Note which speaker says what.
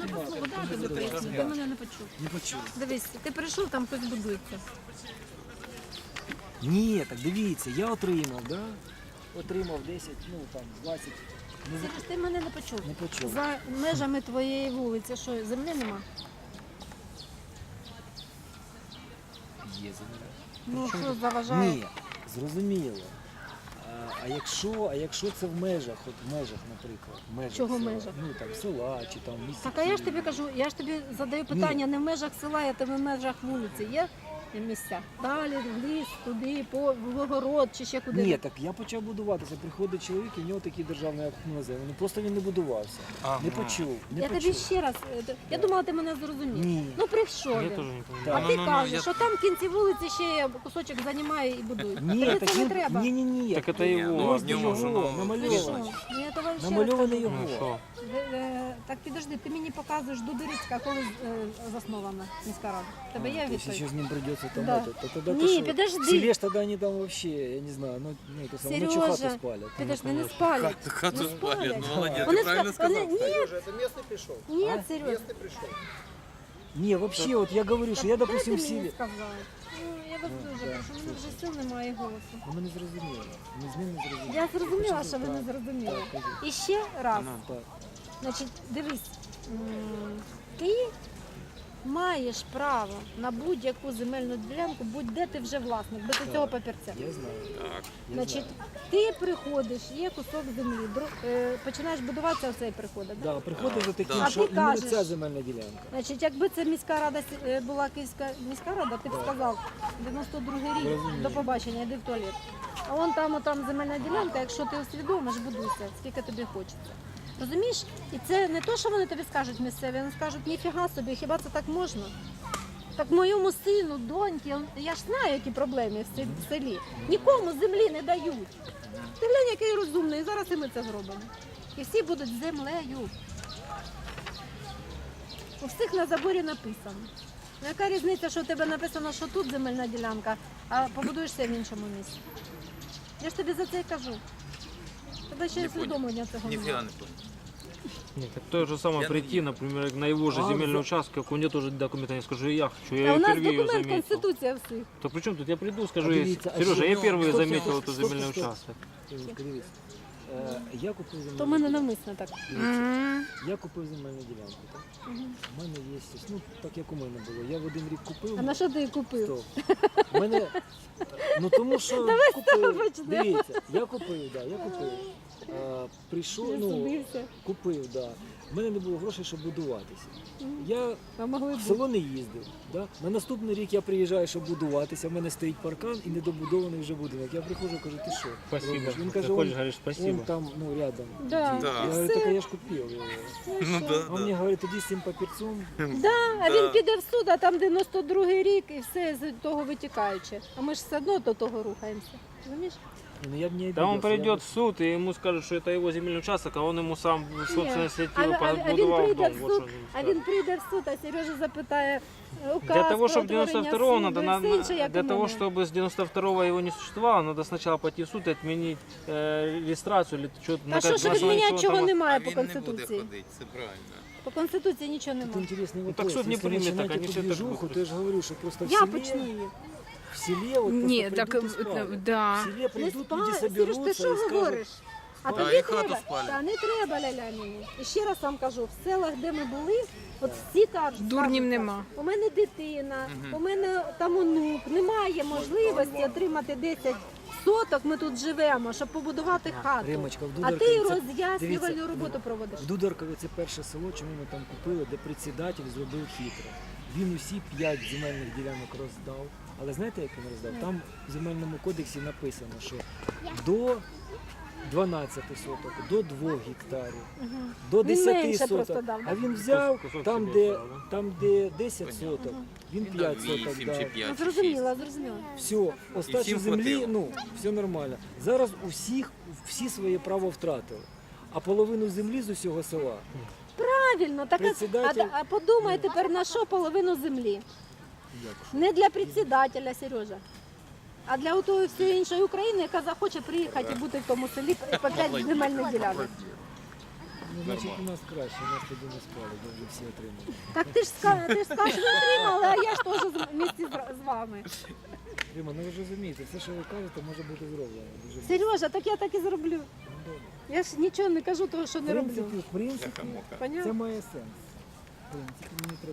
Speaker 1: слово, да, тобі поясню, ти мене не почув.
Speaker 2: Не почув.
Speaker 1: Дивись, ти прийшов, там хтось будується.
Speaker 2: Ні, так дивіться, я отримав, да? Отримав 10, ну там 20. Не,
Speaker 1: Сереж, ти мене не почув.
Speaker 2: не почув.
Speaker 1: За межами твоєї вулиці, що, землі нема?
Speaker 2: Є земля.
Speaker 1: Ну, що заважає?
Speaker 2: Ні, зрозуміло. А якщо це в межах, от в межах, наприклад, в межах
Speaker 1: Чого в
Speaker 2: села,
Speaker 1: межах?
Speaker 2: ну там села чи там місця.
Speaker 1: Так, а я ж тобі кажу, я ж тобі задаю питання не в межах села, а в межах вулиці. Є місця? Далі, в ліс, туди, в огород чи ще куди.
Speaker 2: Ні, так я почав будуватися. Приходить чоловік, і в нього такий державний акт на землю. Ну просто він не будувався.
Speaker 3: Ага.
Speaker 2: Не почув. Не
Speaker 1: Я
Speaker 2: почув.
Speaker 1: тобі ще раз, я думала, ти мене зрозумів.
Speaker 2: Ні.
Speaker 1: Ну прийшов
Speaker 4: Я
Speaker 1: він.
Speaker 4: тоже не понимаю.
Speaker 2: Так.
Speaker 1: А ти
Speaker 3: Ну,
Speaker 1: кажеш, що там в кінці вулиці ще кусочок займає і будує.
Speaker 2: Ні,
Speaker 1: Тобі
Speaker 2: так
Speaker 1: це не
Speaker 2: він,
Speaker 1: треба.
Speaker 2: ні.
Speaker 4: Так это
Speaker 3: Ні,
Speaker 4: его.
Speaker 3: ну,
Speaker 2: Ось
Speaker 3: в ньому ж
Speaker 2: його,
Speaker 3: воно
Speaker 1: Ти
Speaker 2: намальований.
Speaker 1: що? Ну, я давай ще раз
Speaker 2: Намальований
Speaker 1: кажу.
Speaker 4: Ну
Speaker 2: його.
Speaker 4: что?
Speaker 1: Так підожди, ти мені показуєш Дудерицька, коли заснована міська рада. Тебе є
Speaker 2: То есть
Speaker 1: відповідь?
Speaker 2: сейчас с ним придется там
Speaker 1: Да.
Speaker 2: это. Тогда
Speaker 1: Не,
Speaker 2: ты что,
Speaker 1: подожди.
Speaker 2: В селе ж тогда они там вообще, я не знаю, ну это самое, ночью
Speaker 1: Сережа,
Speaker 2: хату спалят.
Speaker 1: Підожди, не спалять.
Speaker 3: Хату
Speaker 1: Не
Speaker 3: спалять,
Speaker 1: спалять.
Speaker 3: ну молодець,
Speaker 1: Вони
Speaker 3: ти правильно
Speaker 1: ска- вони-
Speaker 3: сказав.
Speaker 1: Ні,
Speaker 5: Это местный пришел.
Speaker 1: ні, Сережа.
Speaker 5: Местный пришел.
Speaker 2: Не, вообще, вот я говорю, что я, допустим, в
Speaker 1: Дайте мені
Speaker 2: селе.
Speaker 1: сказати. Ну, я вас дуже
Speaker 2: да,
Speaker 1: прошу, мене вже сил немає голосу.
Speaker 2: Ну, ми не зрозуміли. Ми з ним не зрозуміли.
Speaker 1: Я зрозуміла,
Speaker 2: Почему
Speaker 1: що ви не
Speaker 2: так?
Speaker 1: зрозуміли.
Speaker 2: Так, кажи.
Speaker 1: І ще раз,
Speaker 2: Так.
Speaker 1: значить, дивись, ти маєш право на будь-яку земельну ділянку, будь-де ти вже власник, без цього папірця.
Speaker 2: Я знаю.
Speaker 3: Так.
Speaker 2: Я
Speaker 1: Значить,
Speaker 2: знаю.
Speaker 1: ти приходиш, є кусок землі, починаєш будуватися, оцей приходить. Да?
Speaker 2: Да, приходить за таким,
Speaker 1: А
Speaker 2: що
Speaker 1: ти
Speaker 2: іменно
Speaker 1: кажеш-
Speaker 2: ця земельна ділянка.
Speaker 1: Значить, якби це міська рада була Київська міська рада, ти б сказав, 92-й рік,
Speaker 2: Розумію.
Speaker 1: до побачення, йди в туалет. А вон там земельна ділянка, якщо ти усвідомиш, будуйся, скільки тобі хочеться. Розумієш? І це не то, що вони тобі скажуть місцеві, вони скажуть, ніфіга собі, хіба це так можна? Так моєму сину, доньки, я ж знаю, які проблеми в селі. Нікому землі не дають. Ти глянь, який розумний, зараз і ми це зробимо. І всі будуть землею. У всіх на заборі написано. Ну, яка різниця, що у тебе написано, що тут земельна ділянка, а побудуєшся в іншому місці? Я ж тобі за це й кажу. Тебе ще й
Speaker 3: Не понял.
Speaker 1: усвідомлення цього
Speaker 3: Ніфіга
Speaker 1: немає.
Speaker 3: не понял.
Speaker 4: Нет, так то же самое
Speaker 3: Я-
Speaker 4: прийти, например, на его же
Speaker 2: А,
Speaker 4: земельный
Speaker 2: за-
Speaker 4: участок, у него тоже документы, я скажу, я хочу,
Speaker 1: А
Speaker 4: я
Speaker 1: у
Speaker 4: ее
Speaker 1: нас
Speaker 4: впервые
Speaker 1: документ
Speaker 4: заметил.
Speaker 1: Конституція всіх.
Speaker 4: То при чем тут? Я приду, скажу,
Speaker 2: Подивіться, а
Speaker 4: Сережа,
Speaker 2: що-
Speaker 4: я
Speaker 2: ну,
Speaker 4: первый
Speaker 2: стоп,
Speaker 4: заметил
Speaker 2: стоп,
Speaker 4: этот
Speaker 2: стоп,
Speaker 4: земельный
Speaker 2: стоп.
Speaker 4: участок.
Speaker 2: Дивись. Я купив земельну
Speaker 1: То в мене
Speaker 2: ділянку.
Speaker 1: навмисно так.
Speaker 2: Я купив земельну ділянку. Так? У мене є, ну так як у мене було. Я в один рік купив.
Speaker 1: А на що ти її купив?
Speaker 2: Стоп. У мене, ну тому що купив,
Speaker 1: почнемо.
Speaker 2: дивіться, я купив. Прийшов, ну,
Speaker 1: Судився.
Speaker 2: купив, да. У мене не було грошей, щоб будуватися. Я
Speaker 1: А могли
Speaker 2: в
Speaker 1: б.
Speaker 2: село не їздив. Да? На наступний рік я приїжджаю, щоб будуватися. У мене стоїть паркан і недобудований вже будинок. Я приходжу, кажу, ти що?
Speaker 4: Спасибо.
Speaker 2: робиш? Він каже,
Speaker 4: Заходишь,
Speaker 2: он,
Speaker 4: говоришь,
Speaker 2: он
Speaker 4: спасибо.
Speaker 2: там, ну, рядом.
Speaker 1: Да.
Speaker 2: Іди.
Speaker 3: Да.
Speaker 2: Я говорю,
Speaker 1: Все.
Speaker 2: так я ж купив його.
Speaker 3: Ну
Speaker 2: А
Speaker 3: да,
Speaker 2: він мені
Speaker 3: да.
Speaker 2: говорить, тоді з цим папірцем.
Speaker 1: А він піде в суд, а там 92-й рік і все з того витікаюче. А ми ж все одно до того рухаємося. Розумієш?
Speaker 2: Ну, я б не
Speaker 4: Да он
Speaker 2: обиделся, я
Speaker 4: придет
Speaker 2: б-
Speaker 4: в суд, и ему скажут, что это его земельный участок, а он ему сам в собственной инициативе
Speaker 1: А він
Speaker 4: побудовал
Speaker 1: прийде
Speaker 4: дом.
Speaker 1: в
Speaker 4: Вот
Speaker 1: суд,
Speaker 4: что он
Speaker 1: а
Speaker 4: скажет.
Speaker 1: він прийде в суд, а Сережа запитає указ
Speaker 4: Для того,
Speaker 1: про
Speaker 4: чтобы
Speaker 1: утворення
Speaker 4: 92-го
Speaker 1: суду
Speaker 4: надо,
Speaker 1: і все інше, як
Speaker 4: для
Speaker 1: у
Speaker 4: того,
Speaker 1: мене.
Speaker 4: чтобы с 92-го его не существовало, надо сначала пойти в суд и отменить регистрацию или что-то.
Speaker 1: Та що ж відміняти, чого
Speaker 3: А
Speaker 1: немає по
Speaker 3: він не буде
Speaker 1: Конституції?
Speaker 3: ходити, це правильно.
Speaker 1: По Конституції нічого
Speaker 2: Тут
Speaker 1: немає.
Speaker 2: интересный вопрос.
Speaker 4: так суд не
Speaker 2: Если
Speaker 4: примет,
Speaker 2: начинать
Speaker 4: так они
Speaker 2: эту
Speaker 4: все так
Speaker 2: движуху,
Speaker 4: будут.
Speaker 2: то я же говорю, что просто в
Speaker 1: Я
Speaker 2: селе,
Speaker 1: почну її.
Speaker 2: в селе вот
Speaker 6: Ні,
Speaker 2: просто
Speaker 6: так
Speaker 2: придут и спалят.
Speaker 6: да.
Speaker 2: В селе
Speaker 1: Не
Speaker 2: придут, люди
Speaker 1: спали. Сереж,
Speaker 2: соберутся
Speaker 1: ти
Speaker 2: и
Speaker 1: що
Speaker 2: скажут,
Speaker 1: говориш? А
Speaker 3: Да,
Speaker 1: тобі
Speaker 3: і хату
Speaker 1: треба,
Speaker 3: спалять.
Speaker 1: та не треба ля-ля мені. І ще раз вам кажу, в селах, де ми були, от всі кажуть,
Speaker 6: Дурнів
Speaker 1: скажуть,
Speaker 6: нема.
Speaker 1: у мене дитина, у мене там онук, немає можливості отримати 10 соток, ми тут живемо, щоб побудувати хату.
Speaker 2: Римочка, в
Speaker 1: А
Speaker 2: Дударкові
Speaker 1: ти
Speaker 2: це-
Speaker 1: роз'яснювальну
Speaker 2: дивіться,
Speaker 1: роботу проводиш.
Speaker 2: В Дударкові це перше село, чому ми там купили, де председатель зробив хитро. Він усі 5 земельних ділянок роздав. Але знаєте, як він роздав? Там в земельному кодексі написано, що до 12 соток, до 2 гектарів, до
Speaker 1: Він
Speaker 2: 10
Speaker 1: менше
Speaker 2: соток.
Speaker 1: просто дав, да?
Speaker 2: А він взяв
Speaker 4: Кусок
Speaker 2: там,
Speaker 4: собі
Speaker 2: де,
Speaker 4: оставив,
Speaker 2: там, де 10 соток, він
Speaker 3: Він
Speaker 2: 5
Speaker 3: дав
Speaker 2: соток
Speaker 3: 8
Speaker 2: дав.
Speaker 3: чи
Speaker 1: Ну,
Speaker 3: 5 чи 6.
Speaker 1: зрозуміла, зрозуміла.
Speaker 2: Все, остачі
Speaker 3: всім
Speaker 2: землі,
Speaker 3: хватило.
Speaker 2: ну, все нормально. Зараз всі своє право втратили. А половину землі з усього села.
Speaker 1: Правильно, так
Speaker 2: Председатель-
Speaker 1: а подумай тепер на що половину землі.
Speaker 2: Як?
Speaker 1: Не для председателя, Сережа, а для отої всієї іншої України, яка захоче приїхати і бути в тому селі по 5 земельних ділянок.
Speaker 2: Ну, значить, у нас краще, у нас тоді не спали, бо вже всі отримали.
Speaker 1: Так ти ж скажеш, ви отримали, а я ж теж вместе з вами.
Speaker 2: Рима, ну ви ж розумієте, все, що ви кажете, може бути зроблено. Дуже
Speaker 1: Сережа, так я так і зроблю.
Speaker 2: Ну, добре.
Speaker 1: Я ж нічого не кажу, того, що не роблю.
Speaker 2: В принципі,
Speaker 1: Понятно?
Speaker 2: це має сенс. В принципі, мені треба.